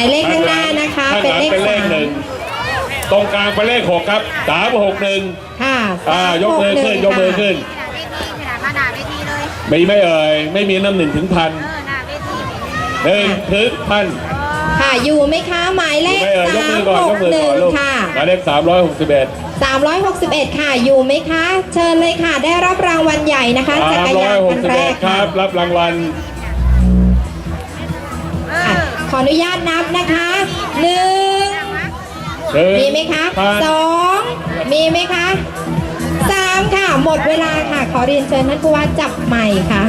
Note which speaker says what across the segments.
Speaker 1: ายเลขข้างหน้านะคะเป็นเลข
Speaker 2: 1ตรงกลางเป็นเลข6ครับ361
Speaker 1: ค่ะ
Speaker 2: ยกมือขึ้นยกมือขึ้นมีไม่เอ่ยไม่มีน้ำ1 ถึง 1,000 1 ถึง 1,000
Speaker 1: ค่ะอยู่ไหมคะหมายเลข361ค่ะ
Speaker 2: หมายเลข361
Speaker 1: ค่ะอยู่ไหมคะเชิญเลยค่ะได้รับรางวัลใหญ่นะคะจักรยานคันแรก
Speaker 2: ค
Speaker 1: ค่ะ
Speaker 2: รับรับรางวัล
Speaker 1: ขออนุญาตนับนะคะ1มีไหมคะ2มีไหมคะ3ค่ะหมดเวลาค่ะขอเรียนเชิญท่านผู้ว่าจับใหม่ค่ะ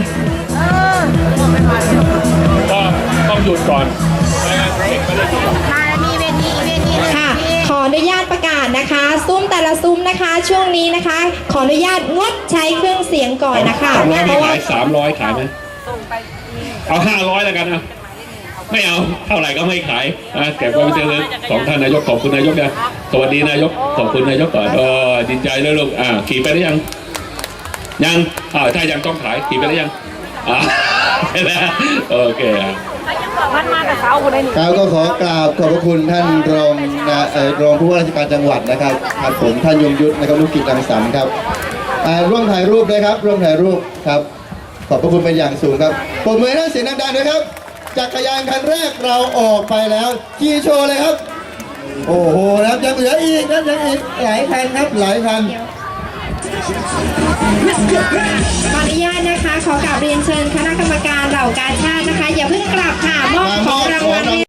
Speaker 2: ก็ต้องหยุดก่อน
Speaker 1: ค่ะขออนุญาตประกาศนะคะซุ้มแต่ละซุ้มนะคะช่วงนี้นะคะขออนุญาตงดใช้เครื่องเสียงก่อนนะคะ
Speaker 2: เพราะว่า300ขายไหมเอา500แล้วกันนะไม่เอาเท่าไหร่ก็ไม่ขายเก็บไว้เป็นที่ระลึกของท่านนายกขอบคุณนายกนะสวัสดีนายกขอบคุณนายกก่อนดีใจเลยลูกขี่ไปได้ยังถ้ายังต้องขายขี่ไปได้ยังโอเค
Speaker 3: ครับก็ขอกราบขอบพระคุณท่านรองผู้ว่าราชการจังหวัดนะครับครับผมท่านยงยุทธนะครับลูกกิจรังสรรค์ครับร่วมถ่ายรูปด้วยครับร่วมถ่ายรูปครับขอบพระคุณเป็นอย่างสูงครับปรบมือให้ท่านเสียงดังๆด้วยครับจักรยานคันแรกเราออกไปแล้วขี่โชว์เลยครับโอ้โหนะครับยังเหลืออีกนะยังอีกหลายคันครับหลายคัน
Speaker 1: ขออนุญาตนะคะขอกราบเรียนเชิญคณะกรรมการเหล่ากาชาตินะคะอย่าเพิ่งกลับค่ะมอบของรางวัล